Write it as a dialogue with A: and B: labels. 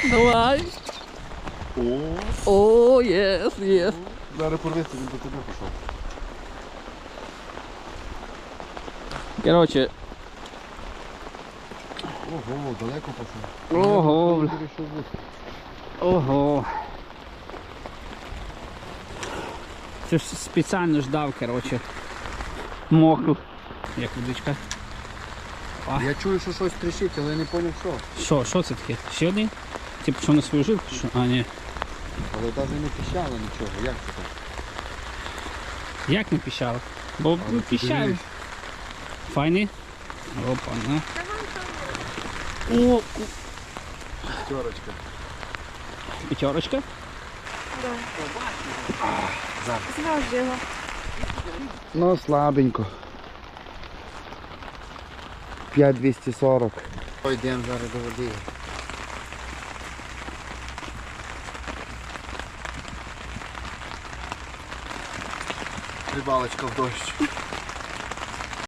A: Давай. О, єс, єс.
B: Зараз порвиться, він до тебе пішов.
A: Короче.
B: Ого, далеко пішов.
A: Ого, бля.
B: Вирішив бути.
A: Ого. Це ж спеціально ждав, короче. Мокру. Як водичка.
B: Я чую, що щось тріщить, але я не зрозумів, що.
A: Що це таке? Ще один? Ти пішов на свою жилку? Що? А, ні.
B: Але навіть не піщало нічого, як це так?
A: Як не піщало? Бо
B: Але
A: піщало.
B: подивись.
A: Файний? Опа, на. О,
B: П'ятерочка.
A: п'ятерочка.
C: Зразу його.
B: Ну, слабенько. 5,240. Йдемо зараз до води. Рибалочка в дощ.